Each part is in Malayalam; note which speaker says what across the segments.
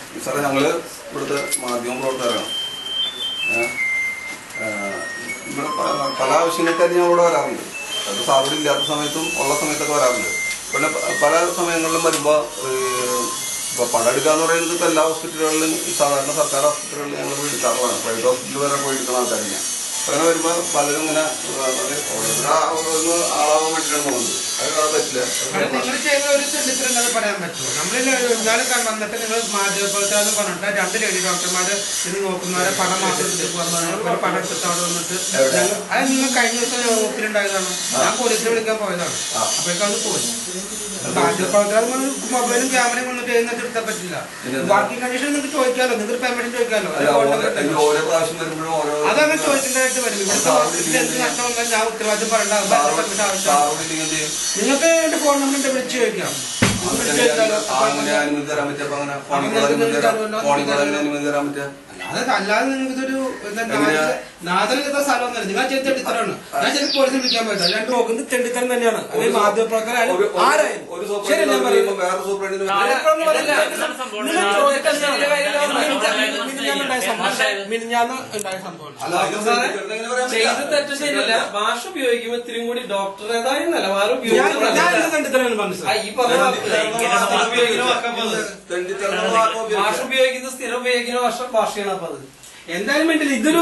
Speaker 1: സാറേ ഞങ്ങള് ഇവിടുത്തെ മാധ്യമ പ്രവർത്തകരാണ്. ഇവിടെ പല ആവശ്യങ്ങൾക്കായിട്ട് ഞാൻ ഇവിടെ വരാറുണ്ട്. അത് സാറിവിടെ ഇല്ലാത്ത സമയത്തും ഉള്ള സമയത്തൊക്കെ വരാറുണ്ട്. പിന്നെ പല സമയങ്ങളിലും വരുമ്പോൾ ഇപ്പോൾ പണം എടുക്കുക എന്ന് പറയുന്നത് ഇപ്പോൾ എല്ലാ ഹോസ്പിറ്റലുകളിലും സാധാരണ സർക്കാർ ഹോസ്പിറ്റലുകളിൽ ഞങ്ങൾ പോയി എടുക്കാറുള്ളതാണ്. പ്രൈവറ്റ് ഹോസ്പിറ്റലിൽ വരെ പോയി എടുക്കുന്ന ആൾക്കാർ ഞാൻ അങ്ങനെ വരുമ്പോൾ പലരും ഇങ്ങനെ ആളാവാൻ വേണ്ടിയിട്ടാണ് പോകുന്നത്. അത് പറ്റില്ല.
Speaker 2: നിങ്ങൾ ചെയ്ത ഒരു തെണ്ടിത്തരം പറയാൻ പറ്റുമോ? നമ്മൾ വന്നിട്ട് നിങ്ങൾ മാധ്യമപ്രവർത്തകർ പറഞ്ഞിട്ട് 2 ലേഡി ഡോക്ടർമാർ ഇത് നോക്കുന്നവരെ പണം മാത്രം പണം എടുത്തിട്ട് അവിടെ വന്നിട്ട് അത് നിങ്ങൾ കഴിഞ്ഞ ദിവസം ഒപ്പിലുണ്ടായതാണ്. ഞാൻ പോലീസിനെ വിളിക്കാൻ പോയതാണ്. അപ്പോഴേക്കും അത് പോയി. മാധ്യമപ്രവർത്തകർ മൊബൈലും ക്യാമറയും കൊണ്ടിട്ട് എഴുന്നേറ്റ് എടുത്താൻ പറ്റില്ല. വർക്കിംഗ് കണ്ടീഷൻ നിങ്ങൾക്ക് ചോദിക്കാമല്ലോ, നിങ്ങൾക്ക് പേയ്മെന്റ് ചോദിക്കാമല്ലോ. അതങ്ങനെ ചോദിക്കേണ്ടതായിട്ട് വരും. ഇവിടെ നഷ്ടം വന്നാൽ ഞാൻ ഉത്തരവാദിത്വം പറയേണ്ട ആവശ്യം. നിങ്ങൾക്ക് എന്റെ ഫോൺ നമ്പർ വിളിച്ചു ചോദിക്കാം. അല്ലാതെ നിങ്ങൾക്ക് ഇതൊരു നാദനത്തെ സ്ഥലമൊന്നുമല്ല. നിങ്ങൾ ചെയ്ത തെണ്ടിത്തരാണ്. ഞാൻ ശരി പോലീസിൽ വിളിക്കാൻ പറ്റില്ല. ഞാൻ നോക്കുന്നത് തെണ്ടിത്തരം തന്നെയാണ്. അത് മാധ്യമപ്രവർത്തകരായാലും ആരായാലും ശരി. ഞാൻ പറയുന്നത് മിനിഞ്ഞാന്ന് ഉണ്ടായ സംഭവം
Speaker 3: ചെയ്ത് തെറ്റ് ശരിയല്ല. ഭാഷ ഉപയോഗിക്കുമ്പോ ഇത്തിരി കൂടി ഡോക്ടറേതായ നിലവാരം ഭാഷ ഉപയോഗിക്കുന്ന സ്ഥിരം ഉപയോഗിക്കുന്ന ഭാഷയാണ്. അപ്പൊ അത്
Speaker 2: എന്തായാലും വേണ്ടില്ല. ഇതൊരു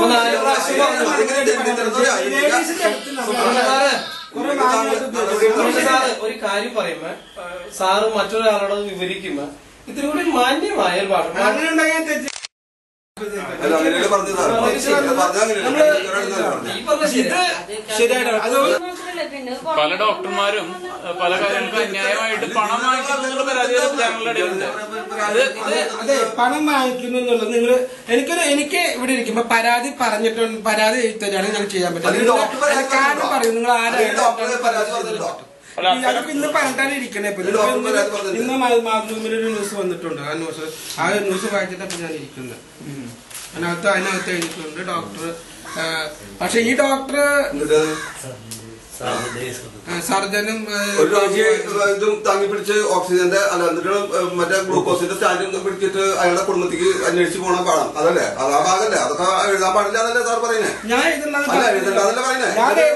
Speaker 3: ഒരു കാര്യം പറയുമ്പോ സാറ് മറ്റൊരാളോട് വിവരിക്കുമ്പോ ഇത്തിരി കൂടി മാന്യമായ ഒരു ഭാഷ
Speaker 4: പല ഡോക്ടർമാരും പല കാര്യങ്ങൾക്കും അന്യായമായിട്ട് പണം വാങ്ങിക്കുന്ന പരാതി ഞങ്ങളുടെ ഇടയിലുണ്ട്.
Speaker 2: അതെ, പണം വാങ്ങിക്കുന്നു എന്നുള്ളത് നിങ്ങൾ എനിക്ക് ഇവിടെ ഇരിക്കുമ്പോ പരാതി പറഞ്ഞിട്ടുണ്ട്. പരാതി തരാണെങ്കിൽ ഞങ്ങൾ ചെയ്യാൻ പറ്റില്ല. കാരണം പറയും നിങ്ങൾ ആരാണ് ഇന്ന് പറഞ്ഞിട്ടാണ് ഇരിക്കണേ. ഇന്ന് മാതൃഭൂമിയിലൊരു ന്യൂസ് വന്നിട്ടുണ്ട്. ആ ന്യൂസ് വായിച്ചിട്ടപ്പോ ഞാൻ ഇരിക്കുന്നത്. അതിനകത്ത് എഴുതിയിട്ടുണ്ട് ഡോക്ടർ. പക്ഷെ ഈ ഡോക്ടർ സർജനും
Speaker 1: ഇതും താങ്ങി പിടിച്ച് ഓക്സിജന്റെ അല്ല എന്നിട്ട് മറ്റേ ഗ്ലൂക്കോസിന്റെ സ്റ്റാൻഡ് പിടിച്ചിട്ട് അയാളുടെ കുടുംബത്തേക്ക് അന്വേഷിച്ച് പോകണം പാടാം. അതല്ലേ അത് ആ ഭാഗല്ലേ? അതൊക്കെ എഴുതാൻ പാടില്ല എന്നല്ലേ സാർ പറയുന്നത്?
Speaker 2: ഞാൻ
Speaker 1: എഴുതണ്ടെന്നല്ലേ പറയുന്നത്?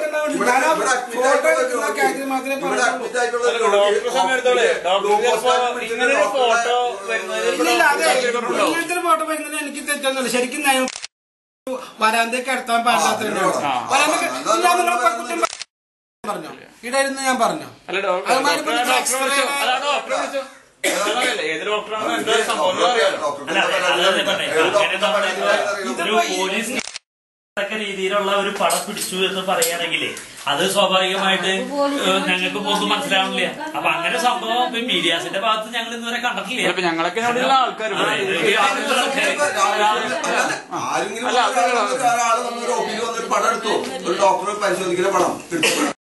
Speaker 1: ഫോട്ടോ വരുന്നത് എനിക്ക് തെറ്റൊന്നുമില്ല. ശരിക്കും വരാന്തേക്ക് അടുത്താൻ പാടില്ലാത്ത പറഞ്ഞോ ഇടായിരുന്നു. ഞാൻ പറഞ്ഞോ
Speaker 5: രീതിയിലുള്ള ഒരു പടം പിടിച്ചു എന്ന് പറയുകയാണെങ്കിൽ അത് സ്വാഭാവികമായിട്ട് ഞങ്ങൾക്ക് പോലും മനസ്സിലാവുന്നില്ല. അപ്പൊ അങ്ങനെ സംഭവം മീഡിയാസിന്റെ ഭാഗത്ത് ഞങ്ങൾ ഇന്നുവരെ കണ്ടിട്ടില്ല.
Speaker 4: ഞങ്ങളൊക്കെ ആൾക്കാർ
Speaker 1: പടം എടുത്തു. ഒരു ഡോക്ടറെ പരിശോധിക്കുന്ന പടം